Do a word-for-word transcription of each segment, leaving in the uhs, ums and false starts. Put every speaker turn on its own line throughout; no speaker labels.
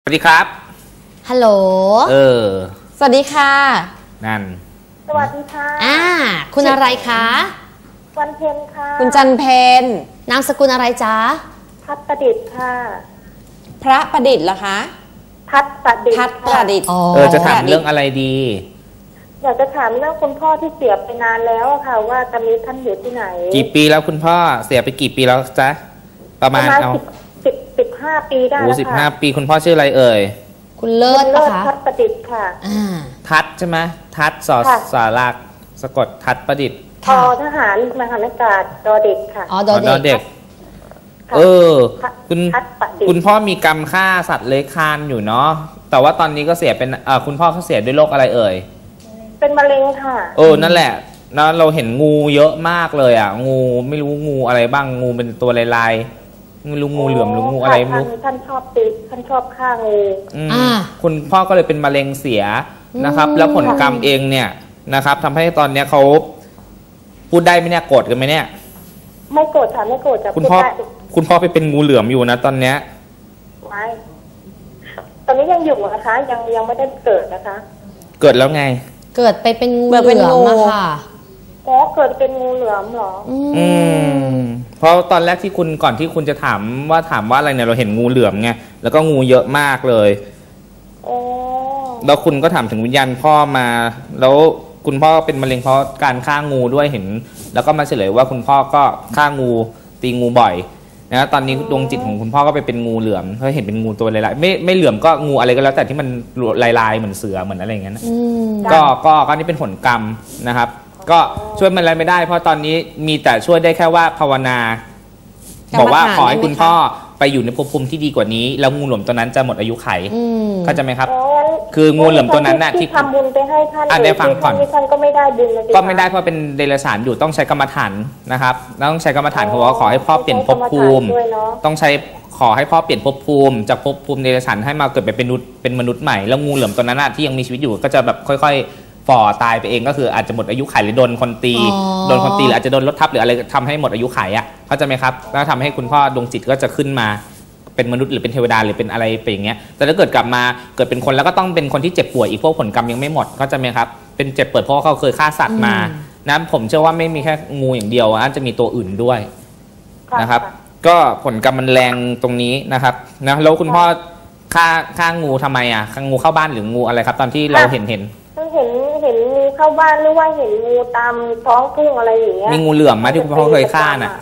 วัสดีครับ
ฮัลโหล
เออ
สวัสดีค่ะ
นั่น
สวัสดีค่ะ
อ่าคุณอะไรคะ
วันเพ็ญค่ะ
คุณจันเพ็ญนามสกุลอะไรจ๊ะ
พัฒประดิษฐ์ค่ะ
พระประดิษฐ์เหรอคะ
พัฒประดิษฐ์
พัฒประดิษฐ์
เออจะถามเรื่องอะไรดี
อยากจะถามเรื่องคุณพ่อที่เสียไปนานแล้วค่ะว่าตอนนี้ท่านอยู่ที่ไหน
กี่ปีแล้วคุณพ่อเสียไปกี่ปีแล้วจ๊ะประมาณเอา
สิบสิบห้าปีได้แล้วค่ะ
โอ้สิบห้าปีคุณพ่อชื่ออะไรเอ่ย
คุณเลิศ
ปะคะทัศประดิษฐ์ค่ะ
ทัศใช่ไหมทัศสอสารักสะกดทัศประดิษฐ์
ทอทหารมหาอากาศดอเด็กค่ะ
อ๋อดอเด็กเออคุณคุณพ่อมีกรรมฆ่าสัตว์เลื้อยคลานอยู่เนาะแต่ว่าตอนนี้ก็เสียเป็นอ่าคุณพ่อเขาเสียด้วยโรคอะไรเอ่ย
เป็นมะเร็งค่ะ
เออนั่นแหละนะเราเห็นงูเยอะมากเลยอ่ะงูไม่รู้งูอะไรบ้างงูเป็นตัวลายๆไม่รู้งูเหลือมหรืองูอะไรไม่รู้
ท่านชอบติท่านชอบฆ่างู
อ่าคุณพ่อก็เลยเป็นมะเร็งเสียนะครับแล้วผลกรรมเองเนี่ยนะครับทำให้ตอนเนี้ยเขาพูดได้ไหมเนี่ยโกรธกันไหมเนี่ย
ไม่โกรธค่ะไม่โกรธจะ
คุณพ่อคุณพ่อไปเป็นงูเหลือมอยู่นะตอนเนี้ย
ไม่ตอนนี้ยังอยู่นะคะยังยังไม่ได้เกิดนะคะ
เกิดแล้วไง
เกิดไปเป็นงูเหลือมอะค่ะ
อ๋อเกิดเป็นงูเหลือมเหรอ
อืมเพราะตอนแรกที่คุณก่อนที่คุณจะถามว่าถามว่าอะไรเนี่ยเราเห็นงูเหลือมไงแล้วก็งูเยอะมากเลย
อ๋อ
แล้วคุณก็ถามถึงวิญญาณพ่อมาแล้วคุณพ่อเป็นมะเร็งเพราะการฆ่างูด้วยเห็นแล้วก็มาเฉลยว่าคุณพ่อก็ฆ่างูตีงูบ่อยนะตอนนี้ดวงจิตของคุณพ่อก็ไปเป็นงูเหลือมเพราะเห็นเป็นงูตัวลายๆไม่ไม่เหลือมก็งูอะไรก็แล้วแต่ที่มันลายๆเหมือนเสือเหมือนอะไรอย่างเงี้ยนะก็ก็ก็นี่เป็นผลกรรมนะครับก็ช่วยมันอะไรไม่ได้เพราะตอนนี้มีแต่ช่วยได้แค่ว่าภาวนาบอกว่าขอให้คุณพ่อไปอยู่ในภพภูมิที่ดีกว่านี้แล้วงูเหลือมตัวนั้นจะหมดอายุไขเข้าใจไหมครับคืองูเหลือมตัวนั้นน่ะ
ที่ทำบุญไปให้ท่าน
อ่ะได้ฟังก่อน
ท่านก็ไม่ได้บุญ
ก็ไม่ได้เพราะเป็นเดรัจฉานอยู่ต้องใช้กรรมฐานนะครับแล้วต้องใช้กรรมฐานเขาบอกว่าขอให้พ่อเปลี่ยนภพภูมิต้องใช้ขอให้พ่อเปลี่ยนภพภูมิจากภพภูมิเดรัจฉานให้มาเกิดเป็นมนุษย์เป็นมนุษย์ใหม่แล้วงูเหลือมตัวนั้นน่ะที่ยังมีชีวิตอยู่ก็จะแบบค่อยๆฝ่อตายไปเองก็คืออาจจะหมดอายุไขหรือโดนคนตีโดนคนตีหรืออาจจะโดนรถทับหรืออะไรทำให้หมดอายุไขอ่ะเข้าใจไหมครับแล้วทำให้คุณพ่อดวงจิตก็จะขึ้นมาเป็นมนุษย์หรือเป็นเทวดาหรือเป็นอะไรไปอย่างเงี้ยแต่ถ้าเกิดกลับมาเกิดเป็นคนแล้วก็ต้องเป็นคนที่เจ็บป่วยอีกพวกผลกรรมยังไม่หมดเข้าใจไหมครับเป็นเจ็บป่วยเพราะเขาเคยฆ่าสัตว์มานะผมเชื่อว่าไม่มีแค่งูอย่างเดียวอาจจะมีตัวอื่นด้วยนะครับก็ผลกรรมมันแรงตรงนี้นะครับนะแล้วคุณพ่อฆ่าฆ่างูทำไมอ่ะฆ่างูเข้าบ้านหรืองูอะไรครับตอนที่เราเห็นเห็น
เห็นเห็นงูเข้าบ้านหรือว่าเห็นงูตามท้องทุ่งอะไรอย่างเงี้ย
มีงูเหลือมไหมที่คุณพ่อเคยฆ่าน่ะ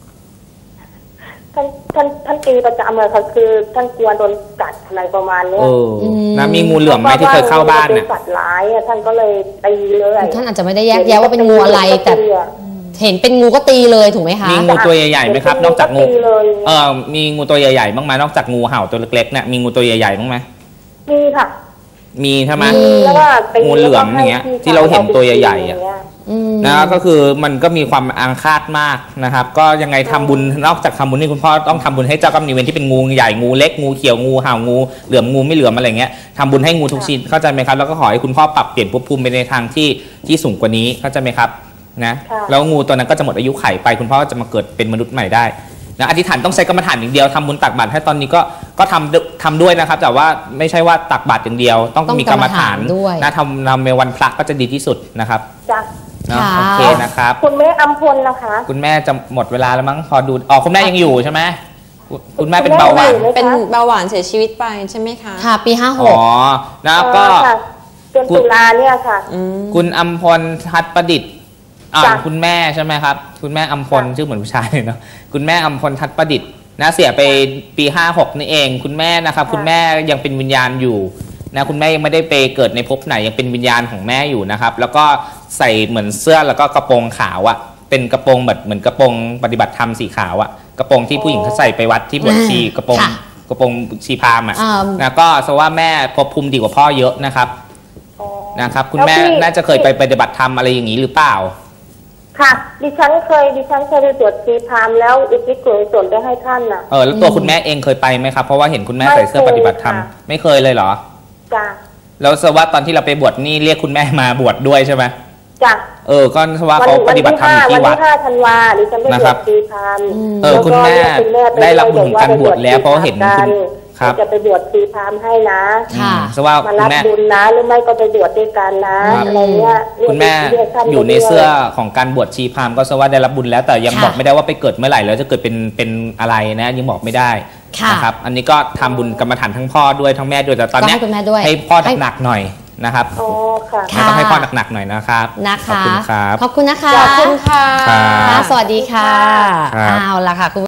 ท่านท่านท่านตีประจำเลยค่ะคือท่านกลัวโดนกัดอะไรประมาณนี้
นะมีงูเหลือมไหมที่เคยเข้าบ้าน
น่ะสัตว์ร้ายท่านก็เลยตีเลย
ท่านอาจจะไม่ได้แยกแยะว่าเป็นงูอะไรแต่เห็นเป็นงูก็ตีเลยถูกไหมคะ
มีงูตัวใหญ่ๆไหมครับนอกจากงูเออมีงูตัวใหญ่ๆบ้างไหมนอกจากงูเห่าตัวเล็กๆเนี่ยมีงูตัวใหญ่ๆบ้างไหม
มีค่ะ
มีใช่ไหมงูเหลือมอย่างเงี้ยที่เราเห็นตัวใหญ่ๆอ่ะนะก็คือมันก็มีความอาฆาตมากนะครับก็ยังไงทำบุญนอกจากทำบุญนี่คุณพ่อต้องทำบุญให้เจ้ากรรมนายเวรที่เป็นงูใหญ่งูเล็กงูเขียวงูเห่างูเหลือมงูไม่เหลือมอะไรเงี้ยทำบุญให้งูทุกชนิดเข้าใจไหมครับแล้วก็ขอให้คุณพ่อปรับเปลี่ยนภพภูมิไปในทางที่ที่สูงกว่านี้เข้าใจไหมครับนะแล้วงูตัวนั้นก็จะหมดอายุไขไปคุณพ่อจะมาเกิดเป็นมนุษย์ใหม่ได้นะอธิษฐานต้องใช้กรรมฐานอย่างเดียวทำบุญตักบาตรให้ตอนนี้ก็ก็ทำทำด้วยนะครับแต่ว่าไม่ใช่ว่าตักบาตรอย่างเดียวต้องมีกรรมฐานนะทำทำในวันพระก็จะดีที่สุดนะครับ
จ้ะ
โอเคนะครับ
คุณแม่อัมพลนะคะ
คุณแม่จะหมดเวลาแล้วมั้งพอดูอ๋อคุณแม่ยังอยู่ใช่ไหมคุณแม่เป็นเบาหวาน
เป็นเบาหวานเสียชีวิตไปใช่ไหมคะค่ะปีห้าหก
อ๋อนะก็
เดือนตุลาเนี่ยค่ะ
คุณอัมพลทัศประดิษฐ์อ่าคุณแม่ใช่ไหมครับคุณแม่อัมพลชื่อเหมือนผู้ชายเนาะคุณแม่อัมพลทัศประดิษฐ์นะเสียไปปีห้าหกนี่เองคุณแม่นะครับคุณแม่ยังเป็นวิญญาณอยู่นะคุณแม่ยังไม่ได้ไปเกิดในภพไหนยังเป็นวิญญาณของแม่อยู่นะครับแล้วก็ใส่เหมือนเสื้อแล้วก็กระโปรงขาวอะเป็นกระโปรงแบบเหมือนกระโปรงปฏิบัติธรรมสีขาวอะกระโปรงที่ผู้หญิงเขาใส่ไปวัดที่บวชชีกระโปรงกระโปรงชีพามอะนะก็แสดงว่าแม่ภพภูมิดีกว่าพ่อเยอะนะครับนะครับคุณแม่น่าจะเคยไปปฏิบัติธรรมอะไรอย่างนี้หรือเปล่า
ค่ะดิฉันเคยดิฉันเคยไปตรวจชีพามแล้วอุทิศส่วนไปให้ท่านน่ะ
เออแล้วตัวคุณแม่เองเคยไปไหมครับเพราะว่าเห็นคุณแม่ใส่เสื้อปฏิบัติธรรมไม่เคยเลยเหรอ
จ้ะ
แล้วสวัสดิ์ตอนที่เราไปบวชนี่เรียกคุณแม่มาบวชด้วยใช่ไหม
จ้ะ
เออก็สวัสดิ์เขาปฏิบัติธรรมอยู่ที่วัด
วันที่ห้าธันวาดิฉันไปตรวจชีพาม
เออคุณแม่ได้รับบุญของการบวชแล้วเพราะเห็นคุณครับ
จะไปบวชชีพราหมณ์ให้นะ
ค่ะ
อืมสว่า
มา
คุ
รั
ณ
บ
แม่
บุญนะหรือไม่ก็ไปบวชด้วยกันนะครับ อะไรเงี้ยเรียก
คุณแม่
เรียกท่าน
อยู่ใน
ไปด้วย
เสื้อของการบวชชีพราหมณ์ก็สว่าได้รับบุญแล้วแต่ยัง
ค่ะ
บอกไม่ได้ว่าไปเกิดเมื่อไหร่แล้วจะเกิดเป็นเป็นอะไรนะยังบอกไม่ได้
ค่ะ
นะครับอันนี้ก็ทำบุญกรรมฐานทั้งพ่อด้วยทั้งแม่ด้วยแต่ตอนเนี้ย
ก็ให้คุณแม่ด้วย
ให้พ่อ
ให้
หนักๆหน่อยนะครับ
อ๋อค่ะ
ค่ะ
ต้องให้พ่อหนักๆหน่อยนะครับ
นะคะ
ขอบคุณครับ
ขอบคุณนะคะ
ขอบคุณค่ะ
ครับ
ค่ะสวัสดีค่ะ
ครับ
เอาละค่ะคุณ